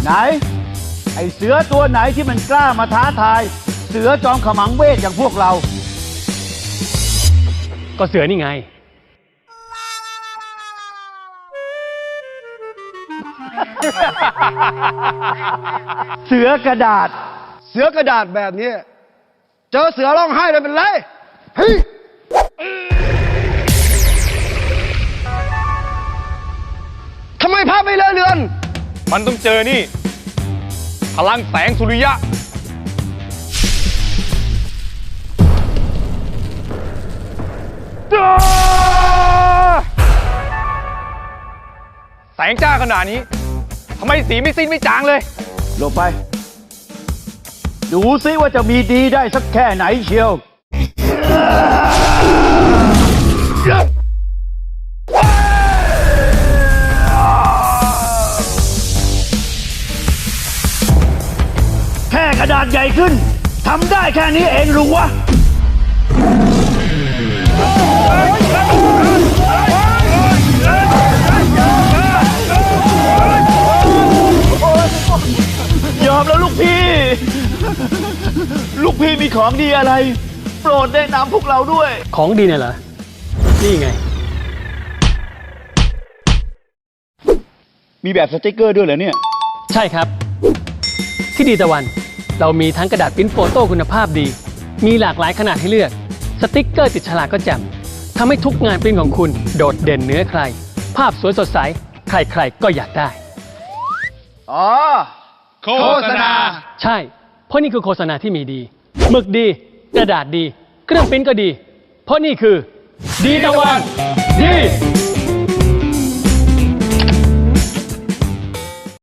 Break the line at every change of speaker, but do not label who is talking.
ไหนไอเสือตัวไหนที่มันกล้ามาท้าทายเสือจอมขมังเวทอย่างพวกเรา
ก็เสือนี่ไง
เสือกระดาษ
แบบนี้เจอเสือร้องไห้เลยเป็นไรเฮ้ยทำไมภาพไม่เลอะเลือน
มันต้องเจอนี่พลังแสงสุริยะแสงจ้าขนาดนี้ทำไมสีไม่สิ้นไม่จางเลย
หลบไปดูซิว่าจะมีดีได้สักแค่ไหนเชียวแค่กระดาษใหญ่ขึ้นทำได้แค่นี้เองหรือวะยอมแล้วลูกพี่ ลูกพี่มีของดีอะไร โปรดแนะนำพวกเราด้วย
ของดีเนี่ยเหรอนี่ไง
มีแบบสติกเกอร์ด้วยเหรอเนี่ย
ใช่ครับที่ดีตะวันเรามีทั้งกระดาษปริ้นโฟโต้คุณภาพดีมีหลากหลายขนาดให้เลือกสติกเกอร์ติดฉลากก็แจ่มทำให้ทุกงานปริ้นของคุณโดดเด่นเหนือใครภาพสวยสดใสใครๆก็อยากได้
อ๋อโฆษณา
ใช่เพราะนี่คือโฆษณาที่มีดีหมึกดีกระดาษดีเครื่องปริ้นก็ดีเพราะนี่คือดีตะวันดี